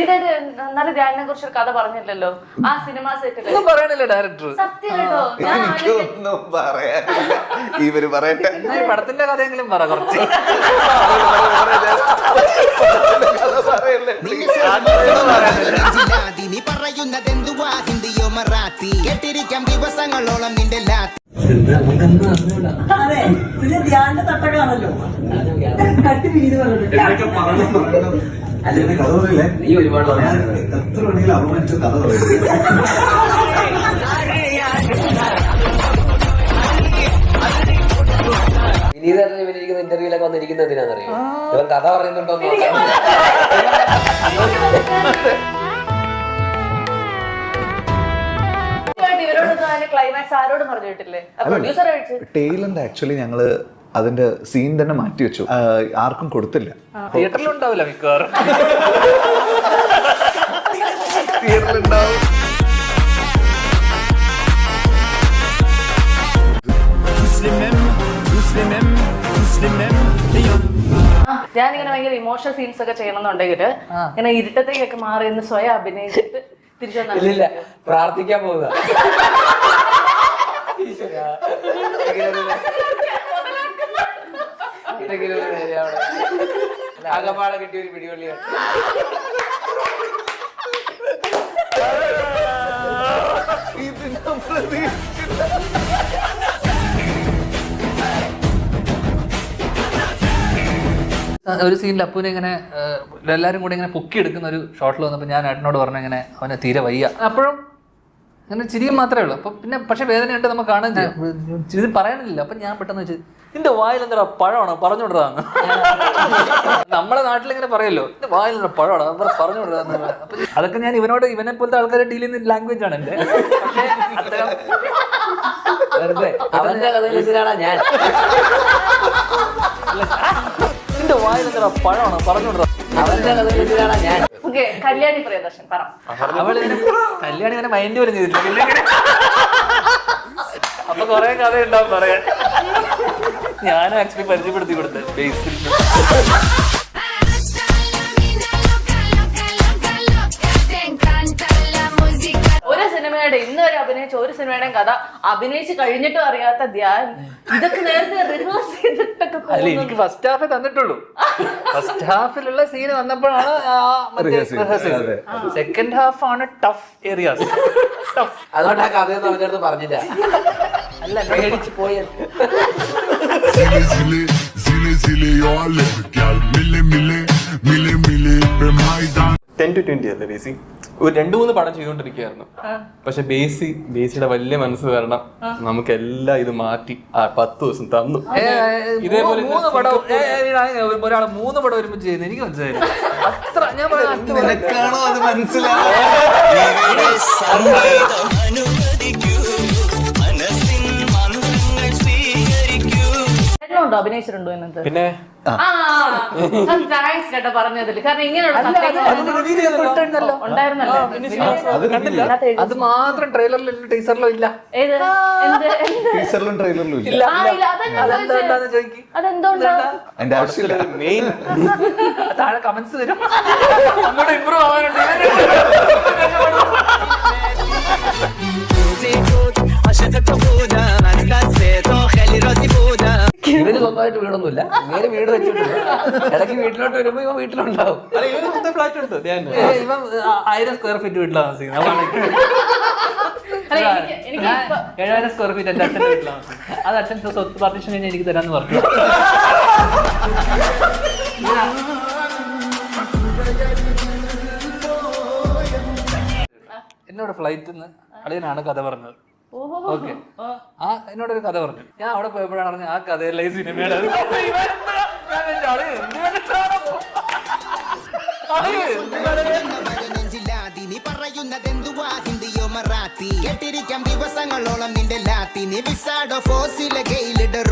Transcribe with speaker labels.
Speaker 1: ശ്രീധര് നല്ല ധ്യാനിനെ കുറിച്ച് കഥ പറഞ്ഞില്ലല്ലോ ആ സിനിമ സെറ്റിൽ
Speaker 2: പറയണില്ല ഡയറക്ടർ.
Speaker 1: സത്യം കേട്ടോ.
Speaker 3: എനിക്കൊന്നും പറയാനില്ല. ഇവര് പറയട്ടെ,
Speaker 2: പടത്തിന്റെ കഥയെങ്കിലും പറ കുറച്ച്.
Speaker 4: പറയുന്നതെന്തുവാ ഹിന്ദിയോ മറാത്തി കേട്ടിരിക്കാം ദിവസങ്ങളോളം നിന്റെ ലാത്തി.
Speaker 5: അതെ പിന്നെ ധ്യാന തട്ടകാണല്ലോ കട്ടി വീട് പറഞ്ഞത്
Speaker 6: കഥ പറയില്ലേ? നീ ഒരുപാട് എത്ര വേണമെങ്കിലും അപമാനിച്ച കഥ പറയും.
Speaker 7: വിനീതേട്ടൻ ഇവരിക്കുന്ന ഇന്റർവ്യൂലൊക്കെ വന്നിരിക്കുന്നത് എന്തിനാണെന്നറിയോ? ഇവൻ കഥ പറയുന്നുണ്ടോ
Speaker 3: ടെയിലന്റ് ആക്ച്വലി ഞങ്ങള് അതിന്റെ സീൻ തന്നെ മാറ്റി വെച്ചു, ആർക്കും കൊടുത്തില്ല.
Speaker 2: തിയേറ്ററിൽ ഉണ്ടാവില്ല മിക്കവാറും.
Speaker 3: തിയേറ്ററിലുണ്ടാവും.
Speaker 1: ഞാനിങ്ങനെ ഭയങ്കര ഇമോഷണൽ സീൻസ് ഒക്കെ ചെയ്യണമെന്നുണ്ടെങ്കിൽ ഇങ്ങനെ ഇരുട്ടത്തേക്കൊക്കെ മാറി എന്ന് സ്വയം അഭിനയിച്ചിട്ട് തിരിച്ചു
Speaker 7: ഇല്ല പ്രാർത്ഥിക്കാൻ പോകുക. ആകപ്പാടെ കിട്ടിയ ഒരു പിടിവള്ളിയാണ്.
Speaker 2: ഒരു സീനിൽ അപ്പൂനെ ഇങ്ങനെ എല്ലാവരും കൂടി ഇങ്ങനെ പൊക്കി എടുക്കുന്ന ഒരു ഷോട്ടിൽ വന്നപ്പോൾ ഞാൻ ഏട്ടനോട് പറഞ്ഞു ഇങ്ങനെ അവനെ തീരെ വയ്യ. അപ്പോഴും അങ്ങനെ ചിരിയും മാത്രമേ ഉള്ളൂ. അപ്പം പിന്നെ പക്ഷെ വേദനയായിട്ട് നമുക്ക് കാണാൻ ചെയ്യാം, ഇത് പറയാനില്ല. അപ്പം ഞാൻ പെട്ടെന്ന് വെച്ച് നിന്റെ വായിൽ എന്താ പഴമാണോ പറഞ്ഞുകൊണ്ടിരാന്ന്. നമ്മളെ നാട്ടിലിങ്ങനെ പറയല്ലോ നിന്റെ വായിൽ എന്താ പഴമാണോ പറഞ്ഞുകൊണ്ടിരാന്ന്. അപ്പം അതൊക്കെ ഞാൻ ഇവനെ പോലത്തെ ആൾക്കാരെ ഡീൽ ചെയ്യുന്ന ലാംഗ്വേജ് ആണ് എൻ്റെ.
Speaker 7: അവന്റെ കഥയിലാണ് ഞാൻ
Speaker 2: നിന്റെ വായിൽ എന്താ പഴമാണോ പറഞ്ഞുകൊണ്ടിരാ.
Speaker 7: അവന്റെ കഥയിലാണ് ഞാൻ.
Speaker 1: കല്യാണി പ്രിയദർശൻ പറ.
Speaker 2: അവളിങ്ങനെ കല്യാണി ഇങ്ങനെ മൈൻഡ് പോലും ചെയ്തിട്ടില്ല. അപ്പൊ കൊറേ കഥ ഉണ്ടാവും പറയാൻ. ഞാനും ആക്ച്വലി പരിചയപ്പെടുത്തി കൊടുത്തത് ബേസിൽ.
Speaker 1: ഒരു സിനിമയുടെ ഇന്ന് വരെ അഭിനയിച്ച ഒരു സിനിമയുടെയും കഥ അഭിനയിച്ച് കഴിഞ്ഞിട്ടും അറിയാത്ത ധ്യാൻ ഇതൊക്കെ നേരത്തെ റിഹേഴ്സ് ചെയ്തിട്ടൊക്കെ.
Speaker 2: അല്ല എനിക്ക് ഫസ്റ്റ് ഹാഫേ തന്നിട്ടുള്ളൂ. ഫസ്റ്റ് ഹാഫിലുള്ള സീന് വന്നപ്പോഴാണ് സെക്കൻഡ് ഹാഫ് ആണ് ടഫ് ഏരിയാസ്.
Speaker 7: അതുകൊണ്ട് ആ കഥയൊന്നും അവന്റെ അടുത്ത് പറഞ്ഞില്ല. അല്ല പേടിച്ച് പോയ
Speaker 8: 10 to 20 അല്ലേ ബേസി? ഒരു 2-3 പടം ചെയ്തുകൊണ്ടിരിക്കുകയായിരുന്നു. പക്ഷെ ബേസിയുടെ വലിയ മനസ്സ് കാരണം നമുക്ക് എല്ലാം ഇത് മാറ്റി 10 ദിവസം തന്നു. ഇതേപോലെ
Speaker 2: ഒരാള് 3 പടം ഒരുമിച്ച് ചെയ്യുന്നത് എനിക്ക് മനസ്സിലായി. അത്ര ഞാൻ
Speaker 3: നിനക്കാണോ അത് മനസ്സിലാവും?
Speaker 1: അഭിനയിച്ചിട്ടുണ്ടോ എന്നത്?
Speaker 8: പിന്നെ
Speaker 1: താങ്ക്സ് കേട്ടോ പറഞ്ഞതിൽ. കാരണം ഇങ്ങനെയുള്ള ഉണ്ടായിരുന്നല്ലോ.
Speaker 2: അത് മാത്രം ട്രെയിലറിലും ടീസറിലും ഇല്ല.
Speaker 3: ടീച്ചറിലും ട്രെയിലറിലും ഇല്ല.
Speaker 2: അതെന്താന്ന് ചോദിക്കും.
Speaker 1: അതെന്തുകൊണ്ടാ?
Speaker 3: അതിന്റെ ആവശ്യമില്ല.
Speaker 8: മെയിൻ
Speaker 2: താഴെ കമന്റ്സ് വരും. അങ്ങോട്ട് ഇമ്പ്രൂവ് ആവാനുണ്ട്.
Speaker 7: ഇവന് സ്വന്തമായിട്ട് വീടൊന്നുമില്ല. നേരെ വീട് വെച്ചിട്ടില്ല. ഇടയ്ക്ക് വീട്ടിലോട്ട് വരുമ്പോ ഇവ വീട്ടിലുണ്ടാവും.
Speaker 8: ഫ്ലാറ്റ് ഉണ്ട്.
Speaker 2: ഇവൻ 1000 സ്ക്വയർ ഫീറ്റ് വീട്ടിലാണ് താമസിക്കുന്നത്. 7000 സ്ക്വയർ ഫീറ്റ് എന്റെ അച്ഛൻ്റെ വീട്ടിലാണ് താമസിക്കുന്നത്. അത് അച്ഛൻ സ്വത്ത് പാർട്ടീഷൻ കഴിഞ്ഞ് എനിക്ക് തരാന്ന് പറഞ്ഞു. എന്നോട് ഫ്ലൈറ്റിൽ നിന്ന് അളിയനാണ് കഥ പറഞ്ഞത്. ഓക്കെ, എന്നോടൊരു കഥ പറഞ്ഞു. ഞാൻ അവിടെ പോയപ്പോഴാണ് പറഞ്ഞത് ആ കഥയല്ല ഈ സിനിമയുടെ.
Speaker 4: പറയുന്നതെന്തുവാ ഹിന്ദിയോ മറാത്തി കേട്ടിരിക്കാം ദിവസങ്ങളോളം നിന്റെ ലാത്തി. നീ വിസാഡോ ഫോസിലെ ഗെയിലിട